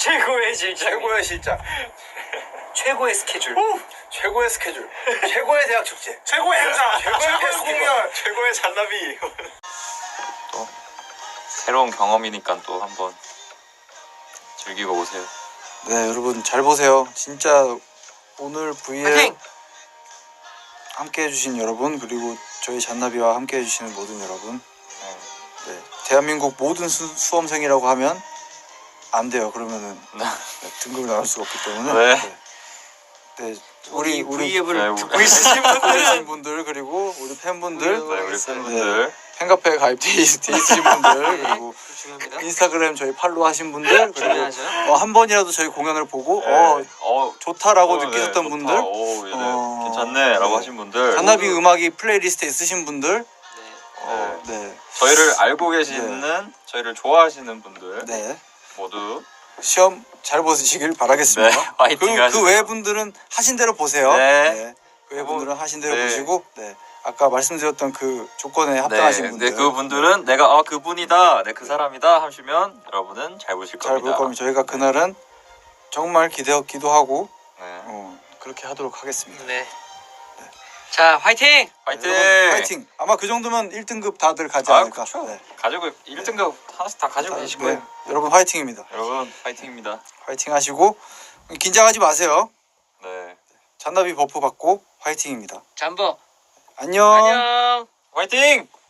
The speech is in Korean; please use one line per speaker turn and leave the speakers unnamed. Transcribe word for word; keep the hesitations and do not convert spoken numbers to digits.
최고의 실장.
최고의 실장.
최고의 스케줄.
오! 최고의 스케줄. 최고의 대학 축제.
최고의 행사.
최고의 페스티벌.
공연.
최고의 잔나비.
또 새로운 경험이니까 또 한번 즐기고 오세요.
네, 여러분 잘 보세요. 진짜 오늘 브이엘
파이팅!
함께 해주신 여러분, 그리고 저희 잔나비와 함께 해주시는 모든 여러분, 네, 대한민국 모든 수, 수험생이라고 하면 안 돼요. 그러면은 네, 등급을 나눌 수가 없기 때문에
네.
네, 네, 우리 우리
브이앱을
네,
듣고 있으신
듣고
분들은
계신 분들, 그리고 우리 팬분들,
네, 우리 팬분들.
팬카페에 가입돼 있- 돼 있으신 분들, 그리고
중요합니다.
인스타그램 저희 팔로우 하신 분들, 그리고
중요하죠.
어, 한 번이라도 저희 공연을 보고
네.
어
어,
좋다라고
어, 네,
느끼셨던
좋다.
분들,
오, 얘네
어,
괜찮네라고
네.
하신 분들.
잔나비 음악이 플레이리스트에 있으신 분들,
네.
어,
네,
저희를 알고 계시는 저희를 좋아하시는 분들
네,
모두
시험 잘 보시길 바라겠습니다.
네, 화이팅
그,
하시고요.
그 외 분들은 하신 대로 보세요.
네.
그 외 분들은 하신 대로
네.
보시고, 네, 아까 말씀드렸던 그 조건에 합당하신
네,
분들,
네, 그분들은 내가 아 그분이다, 네, 그 사람이다 하시면 여러분은 잘 보실
잘 볼
겁니다.
거면 저희가 그날은 정말 기대 기도하고
네.
어, 그렇게 하도록 하겠습니다.
네. 자, 화이팅!
화이팅!
여러분, 파이팅! 아마 그 정도면 일 등급 다들 가지
아,
않을까.
그쵸.
네.
가지고 일 등급 하나씩 다 가지고 계실
네.
거예요.
여러분 화이팅입니다.
여러분 화이팅입니다.
화이팅 하시고 긴장하지 마세요.
네.
잔나비 버프 받고 화이팅입니다.
잠버.
안녕.
안녕.
화이팅!